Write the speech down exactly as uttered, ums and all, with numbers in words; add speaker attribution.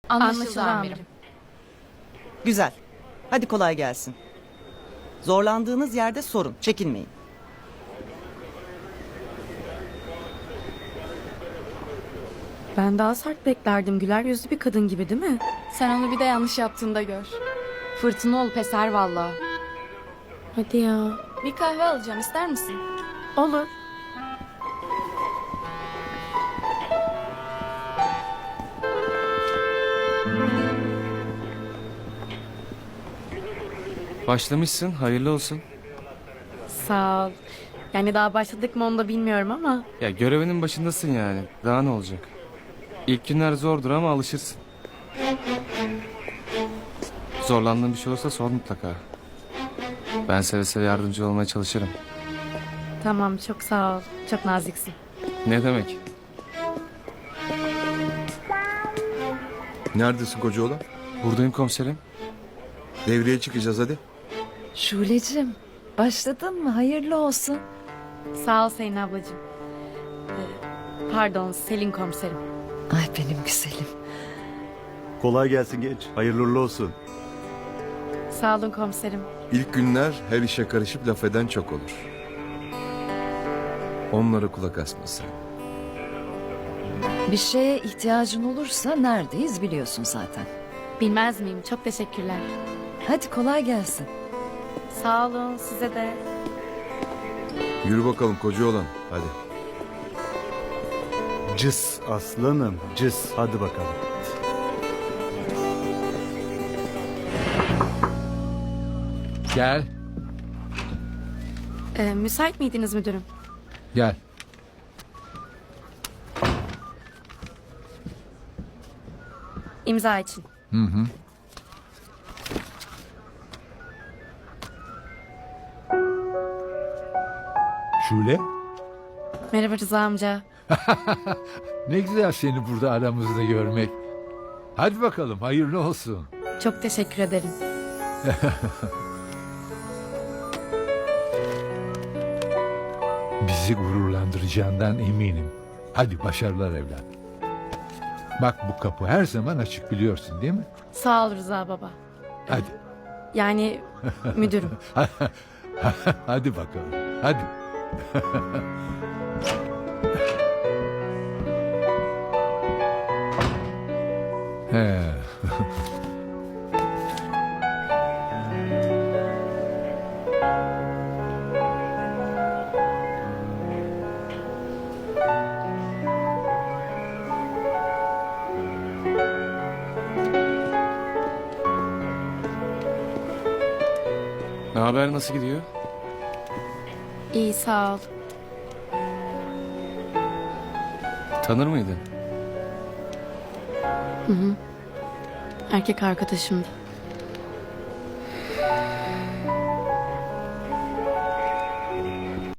Speaker 1: Anlaşıldı amirim.
Speaker 2: Güzel. Hadi kolay gelsin. Zorlandığınız yerde sorun. Çekinmeyin.
Speaker 3: Ben daha sert beklerdim. Güler yüzlü bir kadın gibi değil mi?
Speaker 1: Sen onu bir de yanlış yaptığında gör. Fırtına olup eser valla.
Speaker 3: Hadi ya.
Speaker 1: Bir kahve alacağım, ister misin?
Speaker 3: Olur.
Speaker 4: Başlamışsın, hayırlı olsun.
Speaker 3: Sağ ol. Yani daha başladık mı onu da bilmiyorum ama.
Speaker 4: Ya görevinin başındasın yani. Daha ne olacak? İlk günler zordur ama alışırsın. Zorlandığın bir şey olursa sor mutlaka. Ben seve seve yardımcı olmaya çalışırım.
Speaker 3: Tamam, çok sağ ol. Çok naziksin.
Speaker 4: Ne demek?
Speaker 5: Neredesin koca oğlan?
Speaker 4: Buradayım komiserim.
Speaker 5: Devreye çıkacağız hadi.
Speaker 6: Şule'cim başladın mı? Hayırlı olsun.
Speaker 3: Sağ ol Selin ablacığım. Ee, Pardon, Selin komiserim.
Speaker 6: Ay benim güzelim.
Speaker 7: Kolay gelsin genç. Hayırlı uğurlu olsun.
Speaker 3: Sağ olun komiserim.
Speaker 5: İlk günler her işe karışıp laf eden çok olur. Onlara kulak asma sen.
Speaker 6: Bir şeye ihtiyacın olursa neredeyiz biliyorsun zaten.
Speaker 3: Bilmez miyim? Çok teşekkürler.
Speaker 6: Hadi kolay gelsin.
Speaker 3: Sağ olun, size de.
Speaker 5: Yürü bakalım koca oğlan hadi.
Speaker 7: Cız aslanım cız. Hadi bakalım.
Speaker 8: Gel,
Speaker 3: Ee, müsait miydiniz müdürüm?
Speaker 8: gel.
Speaker 3: İmza için.
Speaker 8: Hı hı. Şule,
Speaker 3: Merhaba Rıza amca.
Speaker 8: ne güzel seni burada aramızda görmek. Hadi bakalım, hayırlı olsun.
Speaker 3: Çok teşekkür ederim.
Speaker 8: Bizi gururlandıracağından eminim. Hadi başarılar evlat. Bak bu kapı her zaman açık biliyorsun değil mi?
Speaker 3: Sağ ol Rıza baba.
Speaker 8: Hadi.
Speaker 3: Yani müdürüm.
Speaker 8: Hadi bakalım. Hadi. He.
Speaker 4: Ne haber, nasıl gidiyor?
Speaker 3: İyi, sağ ol.
Speaker 4: Tanır mıydın?
Speaker 3: Erkek arkadaşımdı.